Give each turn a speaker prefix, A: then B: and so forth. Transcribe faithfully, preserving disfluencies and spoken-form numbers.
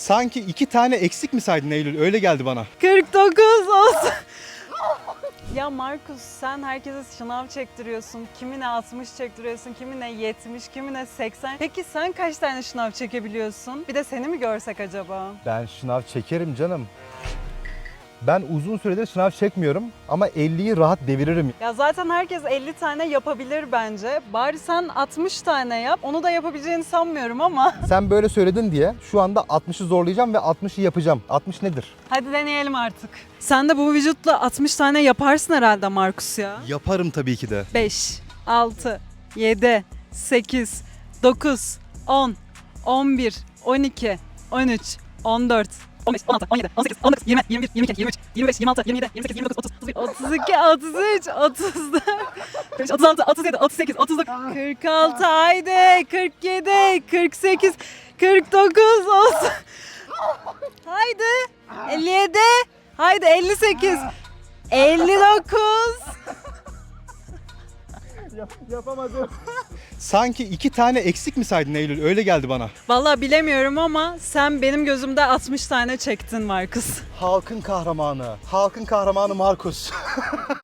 A: Sanki iki tane eksik mi saydın Eylül? Öyle geldi bana.
B: kırk dokuz olsun. Ya Markus, sen herkese şınav çektiriyorsun. Kimine altmış çektiriyorsun, kimine yetmiş, kimine seksen. Peki sen kaç tane şınav çekebiliyorsun? Bir de seni mi görsek acaba?
A: Ben şınav çekerim canım. Ben uzun süredir şınav çekmiyorum ama elliyi rahat deviririm.
B: Ya zaten herkes elli tane yapabilir bence. Bari sen altmış tane yap. Onu da yapabileceğini sanmıyorum ama.
A: Sen böyle söyledin diye şu anda altmışı zorlayacağım ve altmışı yapacağım. altmış nedir?
B: Hadi deneyelim artık. Sen de bu vücutla altmış tane yaparsın herhalde Markus ya.
A: Yaparım tabii ki de.
B: beş, altı, yedi, sekiz, dokuz, on, on bir, on iki, on üç, on dört, on beş, on altı, on yedi, on sekiz, on dokuz, yirmi, yirmi bir, yirmi iki, yirmi üç, yirmi beş, yirmi altı, yirmi yedi, yirmi sekiz, yirmi dokuz, otuz, otuz bir, otuz iki, otuz üç, otuz dört, otuz altı, otuz yedi, otuz sekiz, otuz dokuz, kırk altı, haydi, kırk yedi, kırk sekiz, kırk dokuz olsun. Haydi, elli yedi, haydi elli sekiz, elli dokuz.
A: Yapamadım. Sanki iki tane eksik mi saydın Eylül? Öyle geldi bana.
B: Vallahi bilemiyorum ama sen benim gözümde altmış tane çektin Markus.
A: Halkın kahramanı. Halkın kahramanı Markus.